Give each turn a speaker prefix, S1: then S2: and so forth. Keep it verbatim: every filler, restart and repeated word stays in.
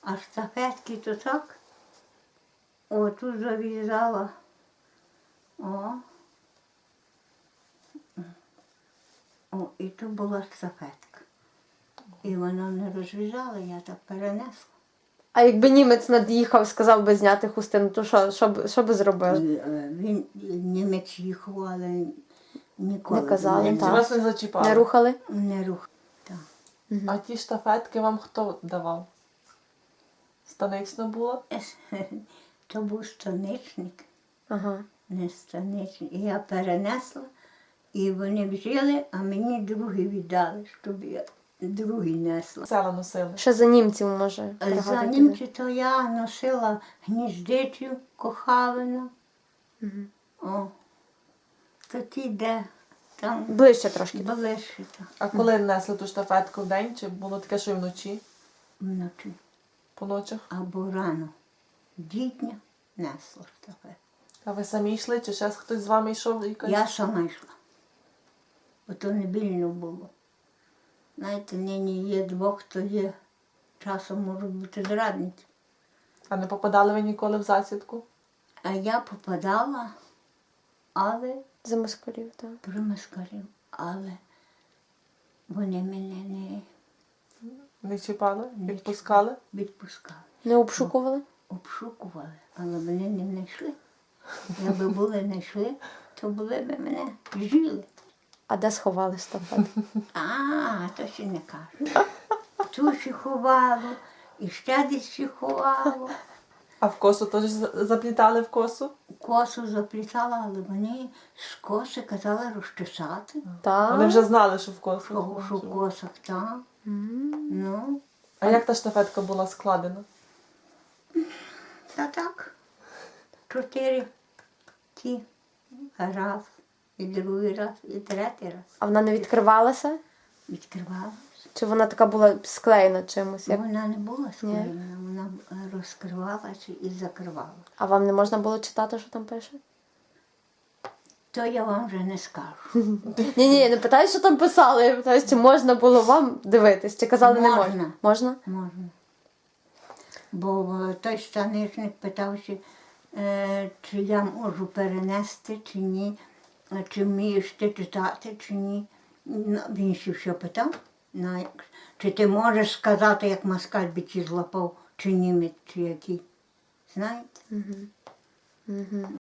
S1: А штафетки то так. О, тут зав'язала. О. О, і тут була штафетка. І вона не розв'язала, я так перенесла.
S2: А якби німець над'їхав, сказав би зняти хустину, то що, що, б- що би зробили?
S1: І, е, Він німець їхав, але ніколи
S2: Не казали,
S1: до мене
S2: так.
S3: Вас не зачіпали?
S2: Не рухали?
S1: не рух. Так.
S3: А ті штафетки вам хто давав? Станично було?
S1: То був станичник,
S2: Ага.
S1: не станичник. І я перенесла, і вони взяли, а мені другий віддали, щоб я другий несла.
S3: Села носили.
S2: Ще за німців, може,
S1: За
S2: пригадати.
S1: німці то я носила гніздичу, кохавину. О, то ті, де там
S2: Ближче трошки.
S1: ближче то
S3: А коли несли ту штафетку вдень, чи було таке, що й вночі,
S1: вночі.
S3: по ночах?
S1: Або рано. Дітня несла штафет.
S3: А ви самі йшли, чи ще хтось з вами йшов? Якась?
S1: Я сама йшла. Бо то не більно було. Знаєте, нині є двох, то є. Часом можуть бути зрадниці.
S3: А не попадали ви ніколи в засідку?
S1: А я попадала, але
S2: За москалів, так.
S1: при москалів, але вони мене не
S3: Не чіпали? Відпускали?
S1: відпускали.
S2: Не обшукували?
S1: Обшукували, але вони не знайшли. Якби були знайшли, то були б мене жили.
S2: А де сховали штафет?
S1: А, то ще не кажу. Ту ще ховало, і ще десь ще ховало.
S3: А в косу теж за- заплітали в косу?
S1: Косу заплітала, але вони з коси казали розчесати.
S2: Так.
S3: Вони вже знали, що в косу.
S1: Що, що в косах там. Ну,
S3: А як та штафетка була складена?
S1: та так. Чотири ті. Раз, і другий раз, і третій раз.
S2: А вона не відкривалася?
S1: Відкривалася.
S2: Чи вона така була склеєна чимось? Як...
S1: Вона не була склеєна, вона розкривалася і закривала.
S2: А вам не можна було читати, що там пише?
S1: То я вам вже не скажу.
S2: Ні-ні, я не питаю, що там писали. Я питаю, чи можна було вам дивитись, чи казали не можна?
S1: Можна.
S2: Можна?
S1: Можна. Бо е, той станичник питався, е, чи я можу перенести, чи ні, е, чи вмієш ти читати, чи ні. Ну, він ще все питав, ну, як- чи ти можеш сказати, як москаль би чи злапав, чи німець, чи який. Знаєте?